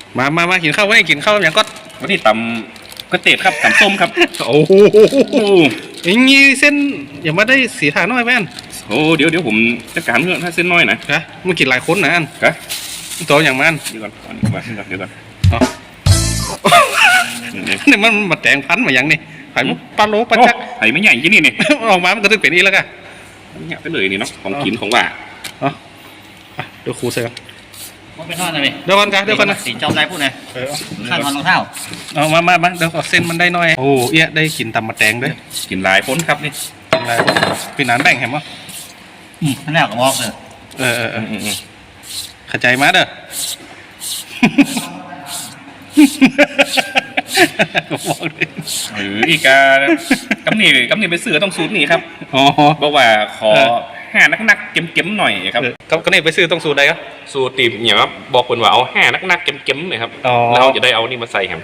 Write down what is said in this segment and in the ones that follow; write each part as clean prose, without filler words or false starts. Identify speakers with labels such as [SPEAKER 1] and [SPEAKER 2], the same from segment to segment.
[SPEAKER 1] มากินข้าวไว้กินข้าวอย่างก็
[SPEAKER 2] วันนี้ตำกระเตดครับตำส้มครับ
[SPEAKER 1] โอ้โหอย่างงี้เส้นอย่ามาได้สีทาน้อยแม่น
[SPEAKER 2] โอ้เดี๋ยวผมจัดการเรื่องถ้าเส้นน้อยนะ
[SPEAKER 1] มึงกินหลายคนนะอัน
[SPEAKER 2] ครับ
[SPEAKER 1] ตัวอย่างมัน
[SPEAKER 2] เดี๋ยวก่อนเดี๋ยวก่อน
[SPEAKER 1] นี่มันมาแต่งพันมาอย่างนี้ไผ่มุกปลาโลปลาจัก
[SPEAKER 2] ไผ่ไม่ใหญ่ยี่นี่นี่
[SPEAKER 1] ออกมามันก็ต้องเป็นอีแล้วกัน
[SPEAKER 2] เนี่ยไปเลยนี่เนาะของกินของว่า
[SPEAKER 1] เดี๋ยวครูเสือ
[SPEAKER 3] มันเป็นท่อนอะไร
[SPEAKER 1] เดี๋ยวก่อนนะ
[SPEAKER 3] สีจอมไรพูดไงขั้นตอนรองเท้า
[SPEAKER 1] เอามาเดี๋ยวเส้นมันได้น้อยโอ้เอี้ยได้กินตำมะแตงด้วย
[SPEAKER 2] กินหลายพ้นครับนี่
[SPEAKER 1] กินหลายพ้นพี่นานแบ่งเห็นมั้ย
[SPEAKER 3] นั่นแหละก็บอกเลย
[SPEAKER 1] เข้าใจมาเด้อ
[SPEAKER 2] อีกกำนี่ไปซื้อต้องสูตรนี่ครับบอกว่าขอห้านักเก็มหน่อยครับ
[SPEAKER 1] ก็นี่ไปซื้อต้องสูตรใดครับ
[SPEAKER 2] สูตรตีบเนี่ยครับบอกคนว่าเอาห้านักเก็มเลยครับแล้วจะได้เอานี่มาใส่ครับ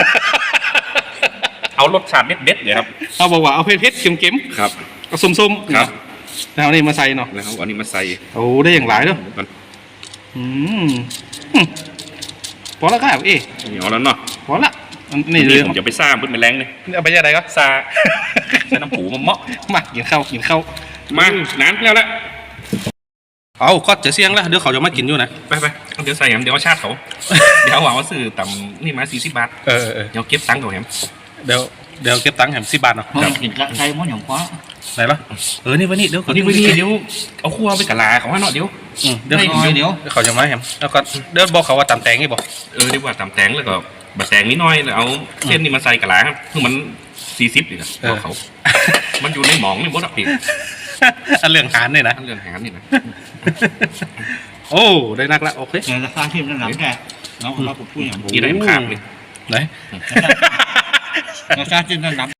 [SPEAKER 2] เอารสชาติเด็ดเลยครับ
[SPEAKER 1] เอาบอกว่าเอาเผ็ดเค็ม
[SPEAKER 2] ครับ
[SPEAKER 1] เอาส้ม
[SPEAKER 2] ครับ
[SPEAKER 1] แล้วนี่มาใส่เนาะ
[SPEAKER 2] แล้วเอานี่มาใส่
[SPEAKER 1] โอ้ได้อย่างหลายเนาะพอแล้วครับ
[SPEAKER 2] เหนียวแล้วเนาะ
[SPEAKER 1] พอละ
[SPEAKER 2] นี่ผมจะไปซ่าเพื่อนเป็นแรงเลย
[SPEAKER 1] เอาไปยังไงก็
[SPEAKER 2] ซ่าใส่น้ำผูมาเมาะ
[SPEAKER 1] มากินข้าว
[SPEAKER 2] มานานแล้ว
[SPEAKER 1] เอาก็จะเสี่ยงแล้วเดี๋ยวเขาจะมากินอยู่นะ
[SPEAKER 2] ไปเดี๋ยวใส่แหมเดี๋ยวชาติเขาเดี๋ยวเอาซื้อต่ำนี่มา40 บาทเดี๋ยวเก็บตังค์ก่อนแหม
[SPEAKER 1] เดี๋ยวเก็บตังค์แหม10 บาทเนาะ
[SPEAKER 3] กินใช้ม้วนหยองคว้า
[SPEAKER 1] ไหนล่ะนี่วันนี้เดี๋ยว
[SPEAKER 2] เอาคั่วไปกะลาของว่าเนาะเดี๋ยว
[SPEAKER 1] เขาจะมาแหมแล้วก็เดี๋ยวบอกเขาว่าตำแตงนี่บอก
[SPEAKER 2] เดี๋ยวว่าตำแตงแล้วก็บะแตงนิดหน่อยแล้วเอาเส้นนี่มาใส่กะลาครับคือมัน40เลยนะเขามันอยู่ในหมองนี่มดอ่ะพี่
[SPEAKER 1] อันเรื่องหารนี่นะโอ้ได้นักละโอเค
[SPEAKER 3] ราคาที่มันหนักแค่น้องเราพูดอย่าง
[SPEAKER 2] กี่ได้ขาดเลย
[SPEAKER 1] ไหน
[SPEAKER 3] ราคาที่มันหนัก